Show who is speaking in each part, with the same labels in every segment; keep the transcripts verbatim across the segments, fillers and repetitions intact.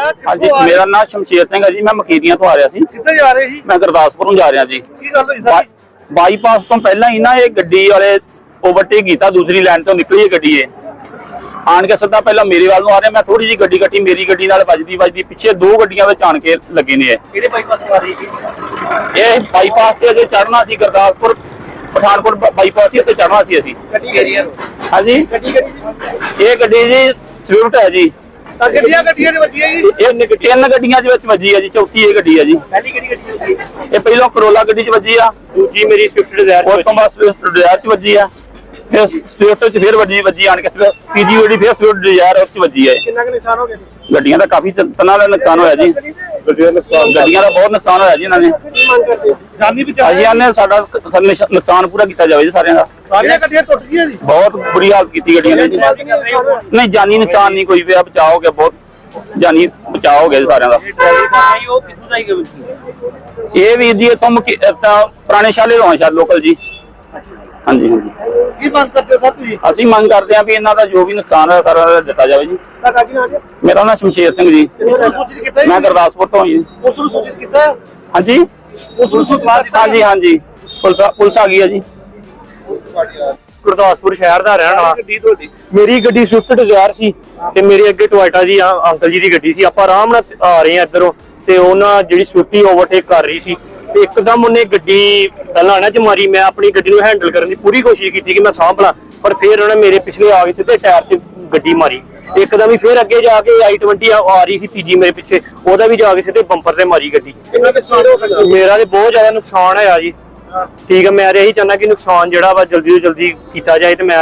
Speaker 1: हाँ जी, मेरा नाम शमशेर सिंह है जी। मैं मकीरियां तो आ रहा सी।
Speaker 2: कित्थे जा रहे जी?
Speaker 1: मैं गुरदासपुर जा रहा जी।
Speaker 2: की गल होई सारी?
Speaker 1: बाईपास तो पहला ही ना ये गड्डी वाले ओवरटेक किया, दूसरी लाइन तो निकली है गड्डी। आन के सीधा पहला मेरे वाल आ रहे, मैं थोड़ी जी गड्डी कट्टी, मेरी गड्डी नाल वजदी वजदी पिछे दो गड्डियां विच आन के लगे ने।
Speaker 2: किहड़े बाईपास आ रही जी?
Speaker 1: ये बाईपास से अजे चढ़ना सी, गुरदासपुर पठानकोट बाईपास से चढ़ना सी असीं। हाँ जी, ये गड्डी जी स्विफ्ट है जी।
Speaker 2: गड्डियां गड्डियां च वजी है जी?
Speaker 1: ये तीन गड्डियां दे विच वजी है जी, चौथी ये गड्डी है जी।
Speaker 2: पहली किहड़ी गड्डी वजी?
Speaker 1: ये पहलों करोला गड्डी च वजी आ, दूजी मेरी स्विफ्ट डिजायर उस तो बाद स्विफ्ट डिजायर च वजी आ, फिर स्विफ्ट च फिर वजी वजी आन के तीजी गड्डी फिर स्विफ्ट डिजायर उस च वजी है।
Speaker 2: कितना क नुकसान हो गया?
Speaker 1: गड्डियां दा काफी तना दा नुकसान होया जी। गड्डियां नुकसान गड्डियां दा बहुत नुकसान होया जी। इन्हां ने
Speaker 2: जानी बचा
Speaker 1: जी ने साडा नुकसान पूरा किया जाए जी सारियां दा।
Speaker 2: सारियां गड्डियां टुट गईयां जी?
Speaker 1: बहुत बुरी हालत की गड्डियां ने जी। नहीं जानी नुकसान नहीं कोई होया, बचाव हो गया, बहुत जानी बचाव हो गया जी सारियां दा। ये भी जी तुम पुराने शाले तो शायद लोकल जी। हाँ जी, हाँ जी।
Speaker 2: की मंग करते हो तुसीं?
Speaker 1: ਅਸੀਂ ਮੰਗ ਕਰਦੇ ਹਾਂ ਵੀ ਇਹਨਾਂ ਦਾ ਜੋ ਵੀ ਨੁਕਸਾਨ ਹੈ ਸਾਰਾ ਦਿੱਤਾ ਜਾਵੇ ਜੀ। ਮੇਰਾ ਨਾਮ ਸ਼ਮਸ਼ੇਰ ਸਿੰਘ ਜੀ, ਮੈਂ ਗੁਰਦਾਸਪੁਰ ਤੋਂ ਜੀ।
Speaker 2: ਉਸ ਨੂੰ ਸੂਚਿਤ ਕੀਤਾ?
Speaker 1: ਹਾਂਜੀ,
Speaker 2: ਉਸ ਨੂੰ ਸੂਚਿਤ ਕੀਤਾ?
Speaker 1: ਹਾਂਜੀ ਹਾਂਜੀ, ਪੁਲਿਸ ਪੁਲਿਸ ਆ ਗਈ ਹੈ ਜੀ।
Speaker 3: ਗੁਰਦਾਸਪੁਰ ਸ਼ਹਿਰ ਦਾ ਰਹਿਣ ਵਾਲਾ। ਮੇਰੀ ਗੱਡੀ ਸਵਿਫਟ ਡਿਜ਼ਾਇਰ ਸੀ ਤੇ ਮੇਰੇ ਅੱਗੇ ਟੋਇਟਾ ਜੀ ਅੰਕਲ ਜੀ ਦੀ ਗੱਡੀ ਸੀ। ਆਪਾਂ ਆਰਾਮ ਨਾਲ ਆ ਰਹੇ ਆ ਇੱਧਰੋਂ ਤੇ ਉਹਨਾਂ ਜਿਹੜੀ ਸਵਿਫਟੀ ਓਵਰਟੇਕ ਕਰ ਰਹੀ ਸੀ ਤੇ ਇੱਕਦਮ ਉਹਨੇ ਗੱਡੀ ਪਹਿਲਾਂ ਨਾ ਚ ਮਾਰੀ। ਮੈਂ ਆਪਣੀ ਗੱਡੀ ਨੂੰ ਹੈਂਡਲ ਕਰਨ ਦੀ ਪੂਰੀ ਕੋਸ਼ਿਸ਼ ਕੀਤੀ ਕਿ ਮੈਂ ਸਾਂਭ ਲਾਂ, ਪਰ ਫਿਰ ਉਹਨੇ ਮੇਰੇ ਪਿਛਲੇ ਆ ਕੇ ਸਿੱਧੇ ਟਾਇਰ 'ਚ ਗੱਡੀ ਮਾਰੀ। ਇੱਕਦਮ ਹੀ ਫਿਰ ਅੱਗੇ ਜਾ ਕੇ ਆਈ ਟਵੰਟੀ ਆ ਰਹੀ ਸੀ ਤੀਜੀ ਮੇਰੇ ਪਿੱਛੇ, ਉਹਦਾ ਵੀ ਜਾ ਕੇ ਸਿੱਧੇ ਬੰਪਰ ਤੇ ਮਾਰੀ ਗੱਡੀ। ਮੇਰਾ ਤੇ ਬਹੁਤ ਜ਼ਿਆਦਾ ਨੁਕਸਾਨ ਹੋਇਆ ਜੀ। ਠੀਕ ਹੈ, ਮੈਂ ਇਹੀ ਚਾਹੁੰਦਾ ਕਿ ਨੁਕਸਾਨ ਜਿਹੜਾ ਵਾ ਜਲਦੀ ਤੋਂ ਜਲਦੀ ਕੀਤਾ ਜਾਏ। ਤੇ ਮੈਂ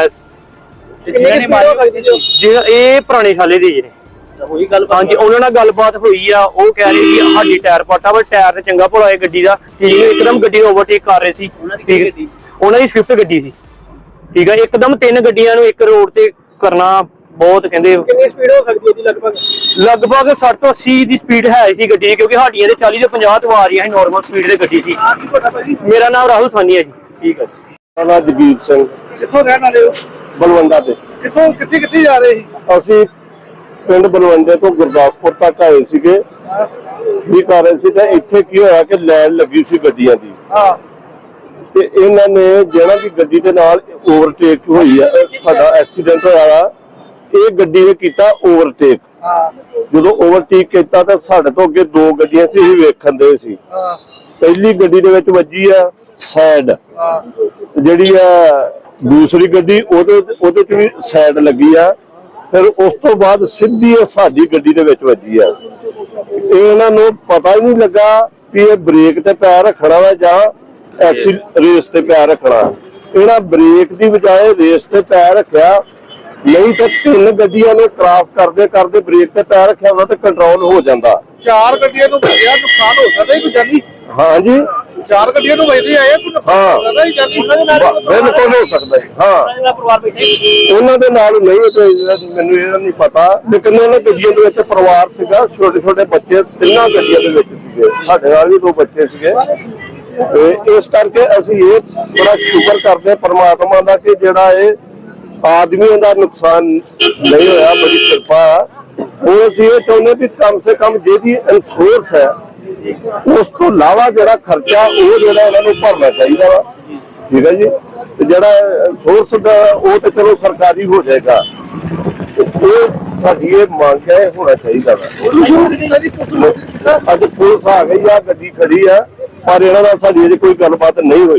Speaker 3: ਇਹ ਪੁਰਾਣੇ ਸਾਲੇ ਦੇ ਜਿਹੜੇ ਹਾਂਜੀ ਉਹਨਾਂ ਨਾਲ ਗੱਲਬਾਤ ਹੋਈ ਆ, ਉਹ ਕਹਿ ਰਹੇ ਸੀ ਸਾਡੀ ਟਾਇਰ ਪਾਟਾ, ਪਰ ਟਾਇਰ ਤੇ ਚੰਗਾ ਭਲਾ ਹੈ ਗੱਡੀ ਦਾ। ਠੀਕ ਹੈ, ਇੱਕਦਮ ਗੱਡੀ ਓਵਰਟੇਕ ਕਰ ਰਹੇ ਸੀ। ਠੀਕ, ਉਹਨਾਂ ਦੀ ਸਵਿਫਟ ਗੱਡੀ ਸੀ। ਠੀਕ ਹੈ, ਇੱਕਦਮ ਤਿੰਨ ਗੱਡੀਆਂ ਨੂੰ ਇੱਕ ਰੋਡ ਤੇ ਕਰਨਾ ਬਹੁਤ ਕਹਿੰਦੇ।
Speaker 2: ਕਿੰਨੀ ਸਪੀਡ ਹੋ ਸਕਦੀ ਹੈ ਜੀ ਲਗਭਗ?
Speaker 3: ਲਗਭਗ ਸੱਠ ਤੋਂ ਅੱਸੀ ਦੀ ਸਪੀਡ ਹੈ ਸੀ ਗੱਡੀ ਦੀ, ਕਿਉਂਕਿ ਸਾਡੀਆਂ ਦੇ ਚਾਲੀ ਤੋਂ ਪੰਜਾਹ ਤੋਂ ਆ ਰਹੀਆਂ ਸੀ ਨੋਰਮਲ ਸਪੀਡ ਦੀ ਗੱਡੀ ਸੀ। ਮੇਰਾ ਨਾਮ ਰਾਹੁਲ ਸਾਨੀ ਹੈ ਜੀ। ਠੀਕ ਹੈ ਜੀ।
Speaker 4: ਮੇਰਾ ਨਾਮ ਜਗੀਰ ਸਿੰਘ।
Speaker 2: ਕਿੱਥੋਂ ਰਹਿਣ ਵਾਲੇ ਹੋ?
Speaker 4: ਬਲਵੰਡਾ ਤੇ।
Speaker 2: ਕਿੱਥੋਂ ਕਿੱਥੇ ਕਿੱਥੇ ਜਾ ਰਹੇ ਸੀ?
Speaker 4: ਅਸੀਂ ਪਿੰਡ ਬਲਵੰਡੇ ਤੋਂ ਗੁਰਦਾਸਪੁਰ ਤੱਕ ਆਏ ਸੀਗੇ, ਵੀ ਕਰ ਰਹੇ ਸੀ। ਤੇ ਇੱਥੇ ਕੀ ਹੋਇਆ ਕਿ ਲਾਈਨ ਲੱਗੀ ਸੀ ਗੱਡੀਆਂ ਦੀ।
Speaker 2: ਹਾਂ,
Speaker 4: ਤੇ ਇਹਨਾਂ ਨੇ ਜਿਹੜਾ ਵੀ ਗੱਡੀ ਦੇ ਨਾਲ ਓਵਰਟੇਕ ਹੋਈ ਆ, ਸਾਡਾ ਐਕਸੀਡੈਂਟ ਹੋਇਆ, ਇਹ ਗੱਡੀ ਨੇ ਕੀਤਾ ਓਵਰਟੇਕ।
Speaker 2: ਹਾਂ,
Speaker 4: ਜਦੋਂ ਓਵਰਟੇਕ ਕੀਤਾ ਤਾਂ ਸਾਡੇ ਤੋਂ ਅੱਗੇ ਦੋ ਗੱਡੀਆਂ ਸੀ, ਅਸੀਂ ਵੇਖਣ ਦੇ ਸੀ।
Speaker 2: ਹਾਂ,
Speaker 4: ਪਹਿਲੀ ਗੱਡੀ ਦੇ ਵਿੱਚ ਵੱਜੀ ਆ ਸਾਈਡ,
Speaker 2: ਹਾਂ,
Speaker 4: ਜਿਹੜੀ ਆ ਦੂਸਰੀ ਗੱਡੀ ਉਹਦੇ ਉਹਦੇ ਚ ਵੀ ਸਾਈਡ ਲੱਗੀ ਆ। ਫਿਰ ਉਸ ਤੋਂ ਬਾਅਦ ਸਿੱਧੀ ਸਾਡੀ ਗੱਡੀ ਦੇ ਵਿੱਚ ਵੱਜੀ ਆ। ਇਹ ਇਹਨਾਂ ਨੂੰ ਪਤਾ ਹੀ ਨਹੀਂ ਲੱਗਾ ਵੀ ਇਹ ਬ੍ਰੇਕ ਤੇ ਪੈਰ ਰੱਖਣਾ ਵਾ ਜਾਂ ਐਕਸੀ ਰੇਸ ਤੇ ਪੈਰ ਰੱਖਣਾ। ਇਹਨਾਂ ਬ੍ਰੇਕ ਦੀ ਬਜਾਏ ਰੇਸ ਤੇ ਪੈਰ ਰੱਖਿਆ, ਨਹੀਂ ਤਾਂ ਤਿੰਨ ਗੱਡੀਆਂ ਨੇ ਕ੍ਰਾਸ ਕਰਦੇ ਕਰਦੇ ਬ੍ਰੇਕ ਤੇ ਪੈਰ ਰੱਖਿਆ ਹੁੰਦਾ ਤੇ ਕੰਟਰੋਲ ਹੋ ਜਾਂਦਾ।
Speaker 2: ਚਾਰ ਗੱਡੀਆਂ ਨੂੰ ਵੱਜਿਆ, ਨੁਕਸਾਨ ਹੋ ਸਕਦਾ ਕੋਈ ਜਾਨੀ?
Speaker 4: ਹਾਂਜੀ,
Speaker 2: ਚਾਰ ਗੱਡੀਆਂ ਨੂੰ ਵੱਜਦੇ ਆਏ, ਕੋਈ ਨੁਕਸਾਨ ਹੋ ਸਕਦਾ ਜੀ ਜਾਨੀ?
Speaker 4: ਬਿਲਕੁਲ ਹੋ ਸਕਦਾ ਜੀ। ਹਾਂ, ਉਹਨਾਂ ਦੇ ਨਾਲ ਨਹੀਂ, ਮੈਨੂੰ ਇਹਦਾ ਨਹੀਂ ਪਤਾ, ਲੇਕਿਨ ਉਹਨਾਂ ਗੱਡੀਆਂ ਦੇ ਵਿੱਚ ਪਰਿਵਾਰ ਸੀਗਾ, ਛੋਟੇ ਛੋਟੇ ਬੱਚੇ ਤਿੰਨਾਂ ਗੱਡੀਆਂ ਦੇ ਵਿੱਚ ਸੀਗੇ, ਸਾਡੇ ਨਾਲ ਵੀ ਦੋ ਬੱਚੇ ਸੀਗੇ। ਤੇ ਇਸ ਕਰਕੇ ਅਸੀਂ ਇਹ ਬੜਾ ਸ਼ੁਕਰ ਕਰਦੇ ਹਾਂ ਪਰਮਾਤਮਾ ਦਾ ਕਿ ਜਿਹੜਾ ਇਹ ਆਦਮੀਆਂ ਦਾ ਨੁਕਸਾਨ ਨਹੀਂ ਹੋਇਆ, ਬੜੀ ਕਿਰਪਾ। ਹੁਣ ਅਸੀਂ ਇਹ ਚਾਹੁੰਦੇ ਵੀ ਕਮ ਸੇ ਕਮ ਜਿਹਦੀ ਇੰਸ਼ੋਰੈਂਸ ਹੈ ਉਸ ਤੋਂ ਇਲਾਵਾ ਜਿਹੜਾ ਖਰਚਾ ਉਹ ਜਿਹੜਾ ਇਹਨਾਂ ਨੂੰ ਭਰਨਾ ਚਾਹੀਦਾ ਵਾ। ਠੀਕ ਹੈ ਜੀ, ਤੇ ਜਿਹੜਾ ਇੰਸ਼ੋਰੈਂਸ ਦਾ ਉਹ ਤੇ ਚਲੋ ਸਰਕਾਰੀ ਹੋ ਜਾਏਗਾ, ਉਹ ਸਾਡੀ ਇਹ ਮੰਗ ਹੈ, ਹੋਣਾ ਚਾਹੀਦਾ ਵਾ। ਅੱਜ ਪੁਲਿਸ ਆ ਗਈ ਆ, ਗੱਡੀ ਖੜੀ ਆ, ਪਰ ਇਹਨਾਂ ਨਾਲ ਸਾਡੀ ਅਜੇ ਕੋਈ ਗੱਲਬਾਤ ਨਹੀਂ ਹੋਈ।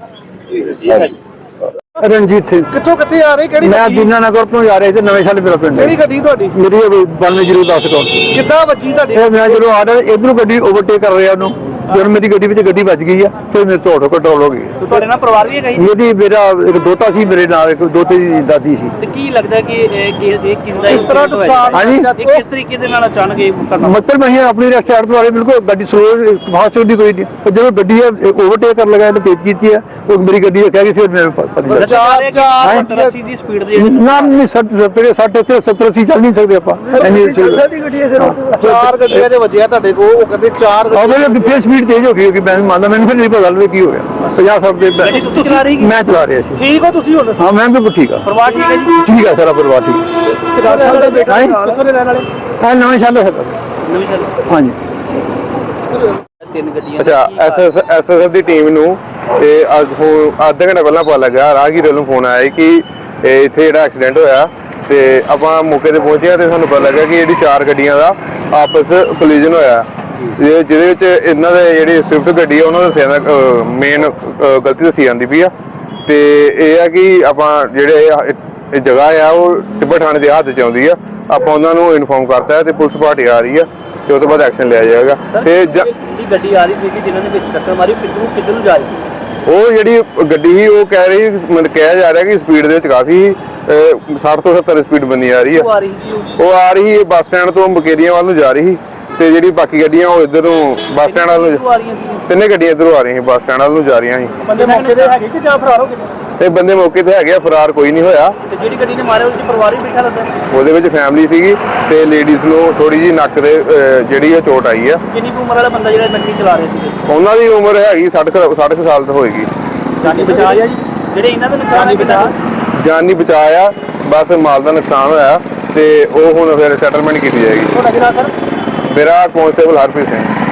Speaker 3: ਰਣਜੀਤ ਸਿੰਘ।
Speaker 2: ਕਿੱਥੋਂ ਕਿੱਥੇ ਆ ਰਹੇ? ਕਿਹੜੀ
Speaker 3: ਮੈਂ ਦੀਨਾ ਨਗਰ ਤੋਂ ਜਾ ਰਿਹਾ ਸੀ, ਨਵੇਂ ਸ਼ਹਿਰ ਮੇਰਾ ਪਿੰਡ।
Speaker 2: ਕਿਹੜੀ ਗੱਡੀ ਤੁਹਾਡੀ?
Speaker 3: ਮੇਰੀ ਬਾਨਵੇਂ ਜ਼ੀਰੋ ਦਸ ਤੋਂ।
Speaker 2: ਕਿੱਦਾਂ ਵੱਜੀ ਤੁਹਾਡੀ?
Speaker 3: ਮੈਂ ਜਦੋਂ ਆ ਰਿਹਾ ਇਧਰੋਂ ਗੱਡੀ ਓਵਰਟੇਕ ਕਰ ਰਿਹਾ ਉਹਨੂੰ, ਜਦੋਂ ਮੇਰੀ ਗੱਡੀ ਵਿੱਚ ਗੱਡੀ ਵੱਜ ਗਈ ਆ, ਫਿਰ ਮੇਰੇ ਤੋਂ ਕੰਟਰੋਲ ਹੋ ਗਈ।
Speaker 2: ਤੁਹਾਡੇ ਨਾਲ ਪਰਿਵਾਰ ਵੀ ਹੈਗਾ ਜੀ?
Speaker 3: ਮੇਰੀ ਮੇਰਾ ਇੱਕ ਦੋਤਾ ਸੀ, ਮੇਰੇ ਨਾਲ ਇੱਕ ਦੋਤੇ ਦੀ ਦਾਦੀ ਸੀ।
Speaker 5: ਤੇ ਕੀ ਲੱਗਦਾ ਕਿ ਇਹ ਕਿੰਦਾ
Speaker 2: ਇਸ ਤਰ੍ਹਾਂ ਨੁਕਸਾਨ
Speaker 3: ਹਾਂਜੀ,
Speaker 5: ਕਿਸ ਤਰੀਕੇ ਦੇ ਨਾਲ ਅਚਾਨਕ ਇਹ ਘਟਨਾ?
Speaker 3: ਮਤਲਬ ਅਸੀਂ ਆਪਣੀ ਰਸਤੇ ਤੋਂ ਆ ਰਹੇ, ਬਿਲਕੁਲ ਗੱਡੀ ਸਲੋ ਫਾਸਟ ਦੀ ਕੋਈ ਨਹੀਂ, ਜਦੋਂ ਗੱਡੀ ਓਵਰਟੇਕ ਕਰਨ ਲੱਗਾ ਇਹਨੇ ਤੇਜ਼ ਕੀਤੀ ਹੈ, ਉਹ ਮੇਰੀ ਗੱਡੀ ਕਹਿ ਗਈ, ਫਿਰ ਮੈਂ ਪਤਾ
Speaker 2: ਚਾਰ ਚਾਰ
Speaker 5: ਦੀ ਸਪੀਡ ਦੀ
Speaker 3: ਨਾ ਨਹੀਂ ਸੱਠ ਸੱਠ ਇੱਥੇ ਸੱਤਰ ਅੱਸੀ ਚੱਲ ਨਹੀਂ ਸਕਦੇ ਆਪਾਂ।
Speaker 2: ਚਾਰ ਗੱਡੀਆਂ ਦੇ ਵੱਜਿਆ ਤੁਹਾਡੇ ਕੋਲ, ਉਹ ਕਹਿੰਦੇ ਚਾਰ
Speaker 3: ਫਿਰ ਸਪੀਡ ਤੇਜ਼ ਹੋ ਗਈ, ਮੈਂ ਮੰਨਦਾ, ਮੈਨੂੰ ਫਿਰ ਨਹੀਂ ਪਤਾ ਲੱਗਦਾ ਕੀ ਹੋ ਗਿਆ। ਪੰਜਾਹ ਸੱਠ ਦੇ ਮੈਂ ਚਲਾ ਰਿਹਾ ਸੀ।
Speaker 2: ਠੀਕ ਹੋ ਤੁਸੀਂ ਹੁਣ?
Speaker 3: ਹਾਂ, ਮੈਂ ਬਿਲਕੁਲ ਠੀਕ ਆ।
Speaker 5: ਪਰਿਵਾਰ ਠੀਕ ਹੈ ਜੀ?
Speaker 3: ਠੀਕ ਆ, ਸਾਰਾ ਪਰਿਵਾਰ ਠੀਕ ਹੈ।
Speaker 2: ਕਿੱਥੋਂ ਦੇ ਰਹਿਣ ਵਾਲੇ?
Speaker 3: ਹਾਂ, ਨਵੇਂ ਸ਼ਹਿਰ ਦਾ।
Speaker 5: ਨਵੀਂ ਸਰ
Speaker 2: ਹਾਂਜੀ
Speaker 5: ਤਿੰਨ ਗੱਡੀਆਂ
Speaker 6: ਅੱਛਾ ਐਸਐਸ ਐਸਐਸਐਫ ਦੀ ਟੀਮ ਨੂੰ ਤੇ ਅੱਜ ਹੁਣ ਅੱਧਾ ਘੰਟਾ ਪਹਿਲਾਂ ਪਤਾ ਲੱਗਾ, ਰਾਹਗੀਰ ਵੱਲੋਂ ਫੋਨ ਆਇਆ ਕਿ ਇਹ ਇੱਥੇ ਜਿਹੜਾ ਐਕਸੀਡੈਂਟ ਹੋਇਆ ਤੇ ਆਪਾਂ ਮੌਕੇ ਤੇ ਪਹੁੰਚੇ ਤੇ ਸਾਨੂੰ ਪਤਾ ਲੱਗਾ ਕਿ ਜਿਹੜੀ ਚਾਰ ਗੱਡੀਆਂ ਦਾ ਆਪਸ ਕੋਲੀਜਨ ਹੋਇਆ, ਜਿਹਦੇ ਜਿਹਦੇ ਵਿੱਚ ਇਹਨਾਂ ਦੇ ਜਿਹੜੀ ਸਵਿਫਟ ਗੱਡੀ ਆ ਉਹਨਾਂ ਦਾ ਦੱਸਿਆ ਮੇਨ ਗਲਤੀ ਦੱਸੀ ਜਾਂਦੀ ਪਈ ਆ। ਤੇ ਇਹ ਆ ਕਿ ਆਪਾਂ ਜਿਹੜੇ ਇਹ ਇਹ ਜਗ੍ਹਾ ਆ ਉਹ ਟਿੱਬਾ ਥਾਣੇ ਦੇ ਹੱਥ 'ਚ ਆਉਂਦੀ ਆ, ਆਪਾਂ ਉਹਨਾਂ ਨੂੰ ਇਨਫੋਰਮ ਕਰਤਾ ਤੇ ਪੁਲਿਸ ਪਾਰਟੀ ਆ ਰਹੀ ਆ ਤੇ ਉਹ ਤੋਂ ਬਾਅਦ ਐਕਸ਼ਨ ਲਿਆ ਜਾਏਗਾ। ਤੇ ਜ-
Speaker 5: ਜਿਹੜੀ ਗੱਡੀ ਆ ਰਹੀ ਸੀ ਜਿਨ੍ਹਾਂ ਨੇ ਵਿੱਚ ਟੱਕਰ ਮਾਰੀ ਕਿੱਧਰੋਂ ਕਿੱਧਰ ਨੂੰ ਜਾ ਰਹੀ ਸੀ?
Speaker 6: ਉਹ ਜਿਹੜੀ ਗੱਡੀ ਸੀ ਉਹ ਕਹਿ ਰਹੀ ਮਤਲਬ ਕਿਹਾ ਜਾ ਰਿਹਾ ਕਿ ਸਪੀਡ ਦੇ ਵਿੱਚ ਕਾਫੀ ਸੱਠ ਤੋਂ ਸੱਤਰ ਸਪੀਡ ਬਣੀ ਆ ਰਹੀ ਆ।
Speaker 5: ਉਹ ਆ ਰਹੀ ਸੀ ਉਹ
Speaker 6: ਉਹ ਆ ਰਹੀ ਹੈ ਬੱਸ ਸਟੈਂਡ ਤੋਂ ਬਕੇਰੀਆਂ ਵੱਲ ਨੂੰ ਜਾ ਰਹੀ ਸੀ ਤੇ ਜਿਹੜੀ ਬਾਕੀ ਗੱਡੀਆਂ ਉਹ ਇੱਧਰੋਂ ਬੱਸ ਸਟੈਂਡ ਵੱਲ ਨੂੰ
Speaker 5: ਕਿੱਧਰੋਂ ਆ ਰਹੀਆਂ ਸੀ?
Speaker 6: ਤਿੰਨੇ ਗੱਡੀਆਂ ਇੱਧਰੋਂ ਆ ਰਹੀਆਂ ਸੀ, ਬੱਸ ਸਟੈਂਡ ਵੱਲ ਨੂੰ ਜਾ ਰਹੀਆਂ ਸੀ
Speaker 5: ਬੰਦੇ ਮੌਕੇ ਤੇ ਹੈਗੇ ਕਿ ਜਾਂ ਫਰਾਰ ਹੋ ਗਏ?
Speaker 6: ਤੇ ਬੰਦੇ ਮੌਕੇ ਤੇ ਹੈਗੇ ਆ, ਫਰਾਰ ਕੋਈ ਨਹੀਂ ਹੋਇਆ।
Speaker 5: ਤੇ ਜਿਹੜੀ ਗੱਡੀ ਨੇ ਮਾਰਿਆ ਉਹਦੇ ਚ ਪਰਿਵਾਰ ਵੀ ਬੈਠਾ ਲੱਗਦਾ?
Speaker 6: ਉਹਦੇ ਵਿੱਚ ਫੈਮਿਲੀ ਸੀਗੀ ਤੇ ਲੇਡੀਜ਼ ਨੂੰ ਥੋੜੀ ਜਿਹੀ ਨੱਕ ਦੇ ਅਹ, ਜਿਹੜੀ ਆ ਚੋਟ ਆਈ ਆ।
Speaker 5: ਕਿੰਨੀ ਕੁ ਉਮਰ ਵਾਲਾ ਬੰਦਾ ਜਿਹੜਾ ਗੱਡੀ ਚਲਾ ਰਿਹਾ ਸੀ?
Speaker 6: ਉਹਨਾਂ ਦੀ ਉਮਰ ਹੈਗੀ ਸੱਠ ਕੁ- ਸੱਠ ਕੁ ਸਾਲ ਤੋਂ ਹੋਏਗੀ।
Speaker 5: ਜਾਨੀ ਬਚਾ ਲਿਆ ਜੀ? ਜਿਹੜੇ ਇਹਨਾਂ ਦਾ ਨੁਕਸਾਨ ਹੈ ਬਚਾ
Speaker 6: ਜਾਨ ਨਹੀਂ ਬਚਾਇਆ, ਬਸ ਮਾਲ ਦਾ ਨੁਕਸਾਨ ਹੋਇਆ ਤੇ ਉਹ ਹੁਣ ਫਿਰ ਸੈਟਲਮੈਂਟ ਕੀਤੀ ਜਾਏਗੀ।
Speaker 5: ਤੁਹਾਡਾ ਜਿਹੜਾ ਸਰ
Speaker 6: ਮੇਰਾ ਕਾਂਸਟੇਬਲ ਹਰਪ੍ਰੀਤ ਸਿੰਘ।